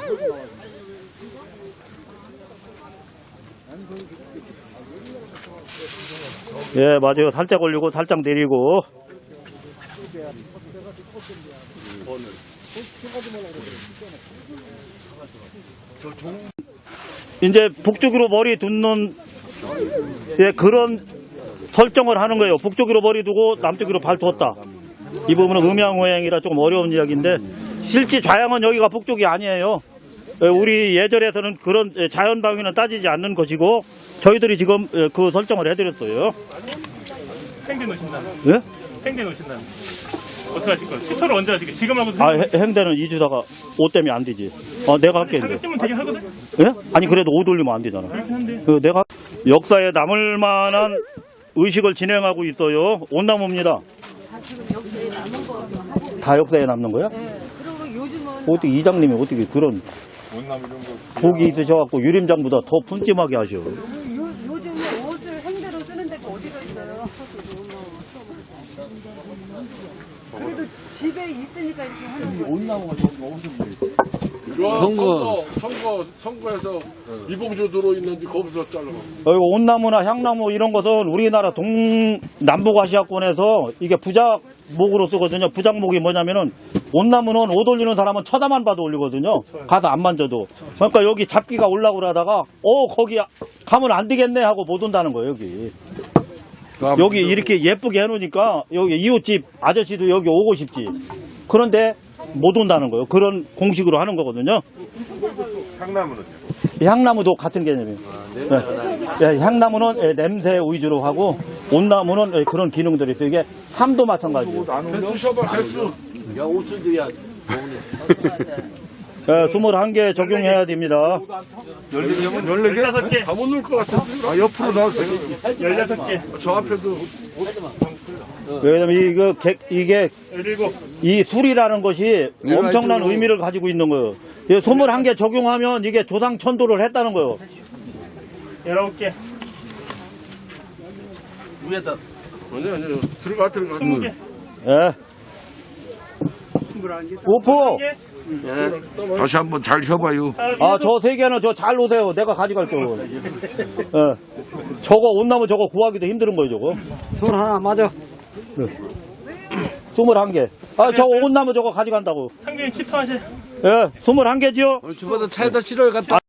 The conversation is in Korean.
예, 맞아요. 살짝 올리고 살짝 내리고. 이제 북쪽으로 머리 둔는 예, 그런 설정을 하는 거예요. 북쪽으로 머리 두고 남쪽으로 발 뒀다. 이 부분은 음양호양이라 조금 어려운 이야기인데 실제 좌양은 여기가 북쪽이 아니에요. 우리 예절에서는 그런 자연 방위는 따지지 않는 것이고 저희들이 지금 그 설정을 해드렸어요. 행대 놓으신다는. 예? 행대 놓으신다는. 어떻게 하실 거예요? 시토를 언제 하시게? 지금 하고 행대는 이 주다가 옷 때문에 안 되지. 내가 할게. 자격 때문에 되긴 하거든? 예? 아니 그래도 옷 올리면 안 되잖아. 그렇긴 한데. 내가 역사에 남을 만한 의식을 진행하고 있어요. 온나무입니다. 다 역사에 남는 거야? 네. 그리고 요즘은 어떻게 이장님이 어떻게 그런 복이 있으셔갖고 유림장보다 더 푼짐하게 하셔. 요즘은 옷을 행대로 쓰는 데가 어디가 있어요? 그래도 집에 있으니까 이렇게 하는 거예요. 선거에서 이봉주 들어있는데 거기서 잘라. 온나무나 향나무 이런 것은 우리나라 남북아시아권에서 이게 부작목으로 쓰거든요. 부작목이 뭐냐면은 온나무는 옷 올리는 사람은 쳐다만 봐도 올리거든요. 가서 안 만져도. 그러니까 여기 잡기가 올라고 그러다가 거기 가면 안 되겠네 하고 못 온다는 거예요. 여기 이렇게 예쁘게 해놓으니까 여기 이웃집 아저씨도 여기 오고 싶지. 그런데 못 온다는 거예요. 그런 공식으로 하는 거거든요. 향나무는요? 향나무도 같은 개념이에요. 네. 향나무는 냄새 위주로 하고 온나무는 그런 기능들이 있어요. 이게 삶도 마찬가지예요. 횟수 셔봐, 횟수. 야, 5천들이야. 21개 적용해야 됩니다. 16개. 다 못 넣을 것 같아. 옆으로 나오세요. 16개. 저 앞에도. 왜냐면 이게 17. 이 술이라는 것이 엄청난 의미를 가지고 있는 거예요. 21개 적용하면 이게 조상 천도를 했다는 거예요. 19개. 위에다. 아니. 들어가. 20개. 예. 오포! 다시 한번 잘 쉬어봐요. 저 3개는 저 잘 놓으세요. 내가 가져갈게요. 예. 저거 온나무 저거 구하기도 힘든 거예요, 저거. 손 하나 맞아. 21개. 저 온나무 저거 가져간다고. 상경님 치토하실. 예, 21개지요? 주보다 차에다 실어요. 갖다.